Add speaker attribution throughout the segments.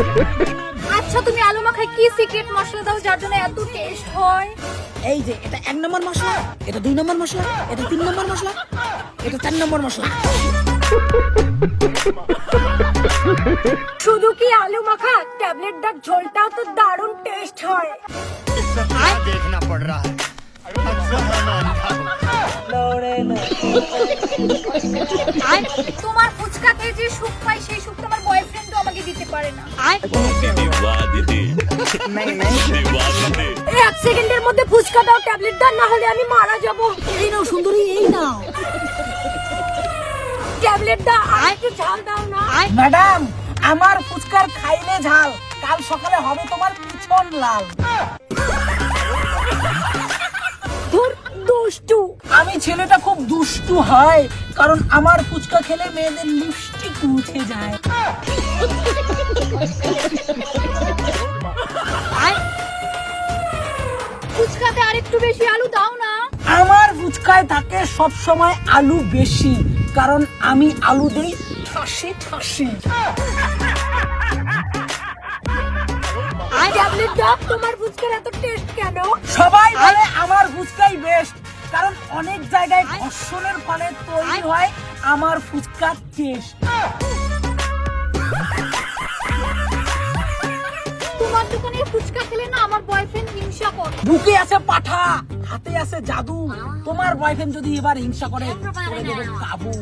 Speaker 1: আচ্ছা তুমি আলু মাখায় কি সিক্রেট মশলা দাও যার জন্য এত টেস্ট হয়?
Speaker 2: এই যে এটা 1 নম্বর মশলা, এটা 2 নম্বর মশলা, এটা 3 নম্বর মশলা, এটা 4 নম্বর মশলা।
Speaker 1: শুধু কি আলু মাখা, ট্যাবলেট ডাক ঝোলটাও তো দারুণ টেস্ট হয়।
Speaker 3: देखना पड़ रहा है
Speaker 1: তোমার ফুচকা খেয়ে যে সুখ পাই সেই সুখ তোমার বয়ফ্রেন্ডও আমাকে দিতে পারে না। এক সেকেন্ডের মধ্যে ফুচকা দাও, ট্যাবলেট দাও, না হলে আমি মারা যাব।
Speaker 2: এই নাও সুন্দরী, এই নাও।
Speaker 1: ট্যাবলেট দাও, আর একটু ঝাল দাও না।
Speaker 2: ম্যাডাম, আমার ফুচকার খাইলে ঝাল, কাল সকালে হবে তোমার পিছন লাল।
Speaker 1: ধুর, দুষ্টু।
Speaker 2: আমি ছেলেটা খুব দুষ্টু হয়, কারণ আমার ফুচকা খেলে মেয়েদের লিপস্টিক মুছে যায়।
Speaker 1: ফুচকাতে আর একটু বেশি আলু দাও না।
Speaker 2: আমার ফুচকায় থাকে সব সময় আলু বেশি, কারণ আমি আলু দেই ঠাসে ঠাসে।
Speaker 1: ট্যাবলেট দাও, তোমার ফুচকার এত টেস্ট কেন?
Speaker 2: সবাই বলে আমার ফুচকাই বেস্ট, কারণ অনেক জায়গায় ঘর্ষণের ফলে তৈরি হয় আমার ফুচকার টেস্ট।
Speaker 1: তোমার দোকানের ফুচকা খেলে না আমার বয়ফ্রেন্ড হিংসা করে।
Speaker 2: বুকে আছে পাঠা, হাতে আছে জাদু। তোমার বয়ফ্রেন্ড যদি এবার হিংসা করে, করে দেবে কাবু।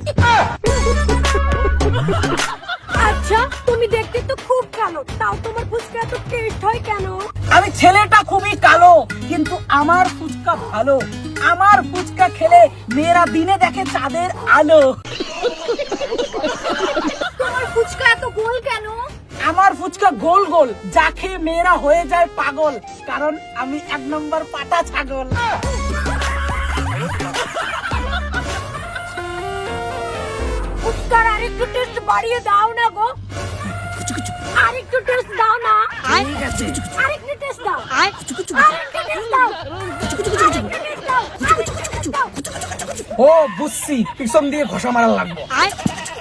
Speaker 1: আচ্ছা তুমি দেখতে তো খুব কালো, তাও তোমার ফুচকা এত টেস্ট হয় কেন?
Speaker 2: আমি ছেলেটা খুবই কালো, কিন্তু আমার ফুচকা ভালো। আমার ফুচকা খেলে মেয়েরা দিনে দেখে চাঁদের আলো।
Speaker 1: তোমার ফুচকা এত গোল কেন?
Speaker 2: আমার ফুচকা গোল গোল, যা খেয়ে মেয়েরা হয়ে যায় পাগল, কারণ আমি 1 নম্বর পাটা ছাগল।
Speaker 1: ফুচকার আরেকটু টেস্ট বাড়িয়ে দাও না গো। আরেকটু টেস্ট দাও না।
Speaker 2: ঠিক আছে।
Speaker 1: আরেকটু টেস্ট দাও। আরেকটু টেস্ট দাও। আরেকটু টেস্ট দাও।
Speaker 2: ও বুঝছি, পিছন দিয়ে ঘষা মারা লাগবে।
Speaker 1: হ্যাঁ,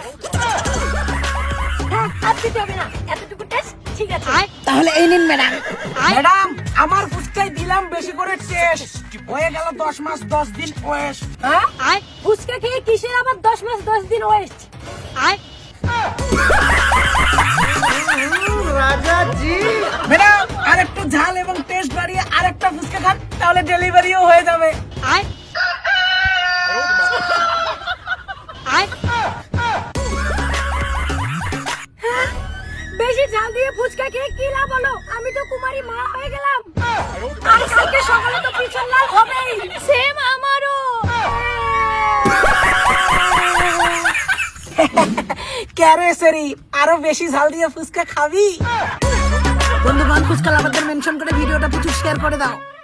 Speaker 1: আর দিতে হবে না, এতটুকু টেস্ট ঠিক আছে।
Speaker 2: তাহলে এই নিন ম্যাডাম। ম্যাডাম, আমার ফুচকায় দিলাম বেশি করে টেস্ট, হয়ে গেল 10 মাস 10 দিন ওয়েস্ট।
Speaker 1: হ্যাঁ, ফুচকা খেয়ে কিসের আবার 10 মাস 10 দিন ওয়েস্ট?
Speaker 2: ম্যাডাম, আরেকটু ঝাল এবং টেস্ট বাড়িয়ে আরেকটা ফুচকা খান, তাহলে ডেলিভারিও হয়ে যাবে।
Speaker 1: বেশি ঝাল দিয়ে ফুচকা খেয়ে কি লাভ হলো? আমি তো কুমারী মা হয়ে গেলাম। আর কালকে সকালে তো পিছন লাল হবেই। সেম আমারও।
Speaker 2: ক্যারে সেরি, আরো বেশি ঝাল দিয়ে ফুচকা খাবি? বন্ধু বান্ধব ফুচকা লাভারদের মেনশন করে ভিডিওটা প্রচুর শেয়ার করে দাও।